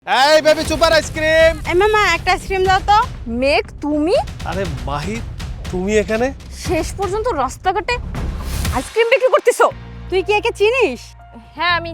এই baby super ice cream. এই মামা একটা আইসক্রিম দাও তো। মেঘ তুমি আরে মাহি, তুমি এখানে? শেষ পর্যন্ত রাস্তাঘাটে আইসক্রিম বিক্রি করতেছো? তুই কি একে চিনিস? হ্যাঁ আমি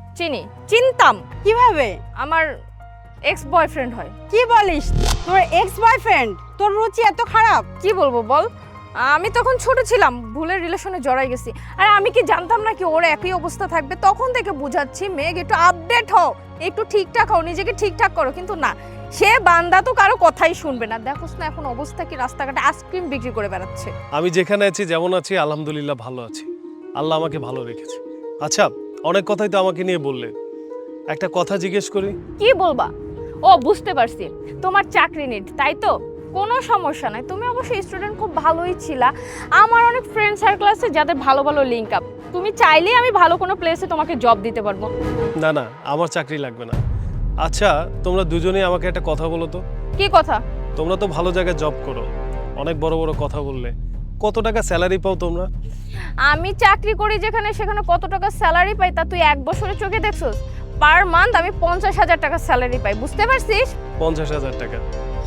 চিনতাম। কিভাবে? আমার এক্স বয়ফ্রেন্ড হয়। কি বলিস? তোর এক্স বয়ফ্রেন্ড? তোর রুচি এত খারাপ? কি বলবো বল, আমি তখন ছোট ছিলাম, ভুলের রিলেশনে জড়াই গেছি। আর আমি কি জানতাম না কি ওর একই অবস্থা থাকবে? তখন থেকে বুঝাচ্ছি মেঘ একটু আপডেট হও, একটু ঠিকঠাক হও, নিজেকে ঠিকঠাক করো, কিন্তু না, সে বান্দা তো কারো কথাই শুনবে না। দেখোস না এখন অবস্থা কি, রাস্তাঘাটে আইসক্রিম বিক্রি করে বেড়াচ্ছে। আমি যেখানে আছি, যেমন আছি, আলহামদুলিল্লাহ ভালো আছি। আল্লাহ আমাকে ভালো রেখেছে। আচ্ছা, অনেক কথাই তো আমাকে নিয়ে বললে, একটা কথা জিজ্ঞেস করি। কি বলবা? ও বুঝতে পারছি, তোমার চাকরি নিট, তাই তো? কোনো সমস্যা নাই, তুমি অবশ্যই স্টুডেন্ট খুব ভালোই ছিলা। আমার অনেক ফ্রেন্ড সার্কেল আছে যাদের ভালো ভালো লিঙ্ক আপ, তুমি চাইলেই আমি ভালো কোনো প্লেসে তোমাকে জব দিতে পারবো। না না, আমার চাকরি লাগবে না। আচ্ছা, তোমরা দুজনেই আমাকে একটা কথা বলো তো। কি কথা? তোমরা তো ভালো জায়গায় জব করো, অনেক বড় বড় কথা বললে, কত টাকা স্যালারি পাও তোমরা? আমি চাকরি করি যেখানে, সেখানে কত টাকা স্যালারি পাই তা তুই এক বছরের চোখে দেখছস? পার মান্থ আমি 50,000 টাকা স্যালারি পাই, বুঝতে পারছিস? 50,000 টাকা?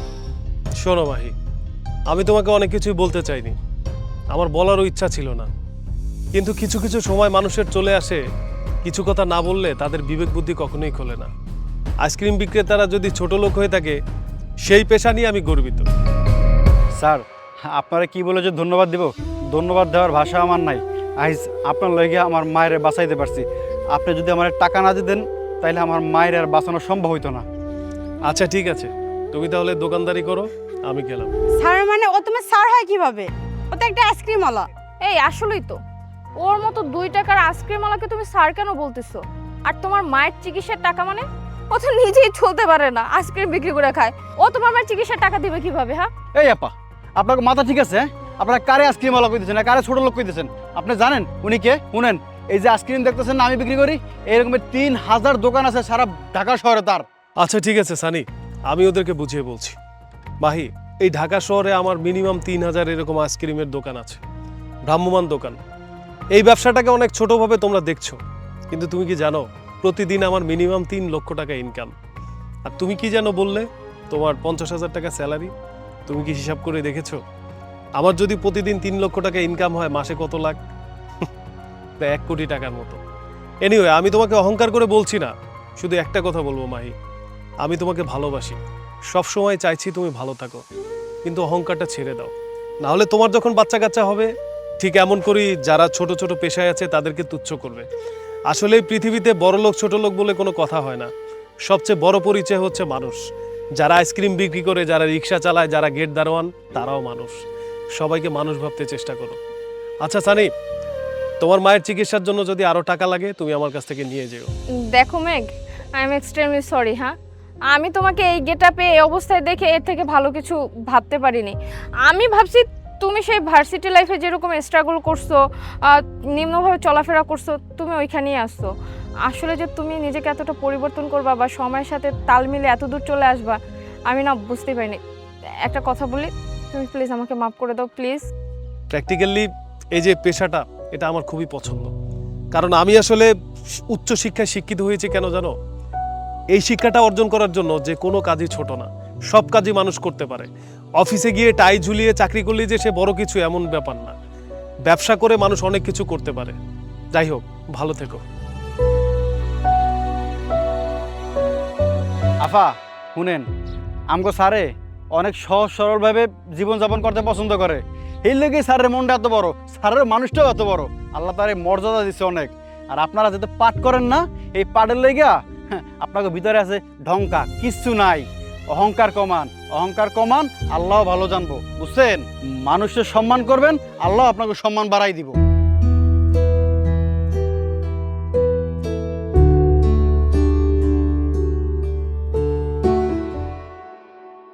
শোনো মাহি, আমি তোমাকে অনেক কিছুই বলতে চাইনি, আমার বলারও ইচ্ছা ছিল না, কিন্তু কিছু কিছু সময় মানুষের চলে আসে, কিছু কথা না বললে তাদের বিবেক বুদ্ধি কখনোই খোলে না। আইসক্রিম বিক্রেতারা যদি ছোট লোক হয়ে থাকে, সেই পেশা নিয়ে আমি গর্বিত। স্যার, আপনারা কি বলে যে ধন্যবাদ দিব? ধন্যবাদ দেওয়ার ভাষা আমার নাই। আইজ আপনার লইগে আমার মায়ের বাঁচাইতে পারছি। আপনি যদি আমার টাকা না দিতেন তাহলে আমার মায়ের আর বাঁচানো সম্ভব হইতো না। আচ্ছা ঠিক আছে, তুমি তাহলে দোকানদারি করো, আমি গেলাম। স্যার মানে ও তোমার স্যার হয় কিভাবে? ও তো একটা আইসক্রিম ওয়ালা। এই আসলেই তো, ওর মতো 2 টাকার আইসক্রিমওয়ালাকে তুমি স্যার কেন বলতেছো? আর তোমার মায়ের চিকিৎসার টাকা মানে? ও তো নিজেই চলতে পারে না, আইসক্রিম বিক্রি করে খায়, ও তোমার মায়ের চিকিৎসার টাকা দিবে কিভাবে? হ্যাঁ এই আপা, আপনার মাথা ঠিক আছে? আপনারা কারে আইসক্রিমওয়ালা কইতেছেন, কারে ছোট লোক কইতেছেন? আপনি জানেন উনি কে? শুনেন, এই যে আইসক্রিম দেখতেছেন না আমি বিক্রি করি, এরকমের 3000 দোকান আছে সারা ঢাকা শহরে তার। আচ্ছা ঠিক আছে সানি, আমি ওদেরকে বুঝিয়ে বলছি। মাহি, এই ঢাকা শহরে আমার মিনিমাম 3000 এরকম আইসক্রিমের দোকান আছে, ভ্রাম্যমান দোকান। এই ব্যবসাটাকে অনেক ছোটভাবে তোমরা দেখছো, কিন্তু তুমি কি জানো প্রতিদিন আমার মিনিমাম 3 লক্ষ টাকা ইনকাম। আর তুমি কি যেন বললে তোমার 50,000 টাকা স্যালারি? তুমি কি হিসাব করে দেখেছো? আমার যদি প্রতিদিন 3 লক্ষ টাকা ইনকাম হয়, মাসে কত লাখ? 1 কোটি টাকার মতো। এনিওয়ে, আমি তোমাকে অহংকার করে বলছি না, শুধু একটা কথা বলবো মাহি, আমি তোমাকে ভালোবাসি, সব সময় চাইছি তুমি ভালো থাকো, কিন্তু অহংকারটা ছেড়ে দাও, না হলে তোমার যখন বাচ্চা কাচ্চা হবে ঠিক এমন করেই যারা ছোট ছোট পেশায় আছে তাদেরকে তুচ্ছ করবে। আসলে এই পৃথিবীতে বড় লোক ছোট লোক বলে কোনো কথা হয় না, সবচেয়ে বড় পরিচয় হচ্ছে মানুষ। যারা আইসক্রিম বিক্রি করে, যারা রিক্সা চালায়, যারা গেট দারোয়ান, তারাও মানুষ। সবাইকে মানুষ ভাবতে চেষ্টা করো। আচ্ছা সানি, তোমার মায়ের চিকিৎসার জন্য যদি আরো টাকা লাগে তুমি আমার কাছ থেকে নিয়ে যেও। দেখো মেঘ, আই এম এক্সট্রিমলি সরি। হ্যাঁ, আমি তোমাকে এই গেটআপে এই অবস্থায় দেখে এর থেকে ভালো কিছু ভাবতে পারিনি। আমি ভাবছি তুমি সেই ভার্সিটি লাইফে যেরকম স্ট্রাগল করছো, নিম্নভাবে চলাফেরা করছো, তুমি ওইখানেই আসছো। আসলে যে তুমি নিজেকে এতটা পরিবর্তন করবা বা সময়ের সাথে তাল মিলে এত দূর চলে আসবা, আমি না বুঝতেই পারিনি। একটা কথা বলি, তুমি প্লিজ আমাকে মাফ করে দাও প্লিজ। প্র্যাকটিক্যালি এই যে পেশাটা, এটা আমার খুবই পছন্দ, কারণ আমি আসলে উচ্চ শিক্ষায় শিক্ষিত হয়েছি কেন জানো? এই শিক্ষাটা অর্জন করার জন্য যে কোনো কাজই ছোট না, সব কাজই মানুষ করতে পারে। অফিসে গিয়ে টাই ঝুলিয়ে চাকরি করলে যে সে বড় কিছু এমন ব্যাপার না, ব্যবসা করে মানুষ অনেক কিছু করতে পারে। যাই হোক, ভালো থেকো। আফা শুনেন, আমগো স্যারে অনেক সহজ সরলভাবে জীবনযাপন করতে পছন্দ করে, এই লেগে স্যারের মনটা এত বড়, স্যারের মানুষটাও এত বড়। আল্লাহ তার মর্যাদা দিচ্ছে অনেক। আর আপনারা যেটা পাঠ করেন না, এই পাঠের লেগা আপনাকে ভিতরে আছে ঢংকা, কিচ্ছু নাই। অহংকার কমান, অহংকার কমান, আল্লাহ ভালো জানবো, বুঝছেন? মানুষের সম্মান করবেন, আল্লাহ আপনাকে সম্মান বাড়াই দিব।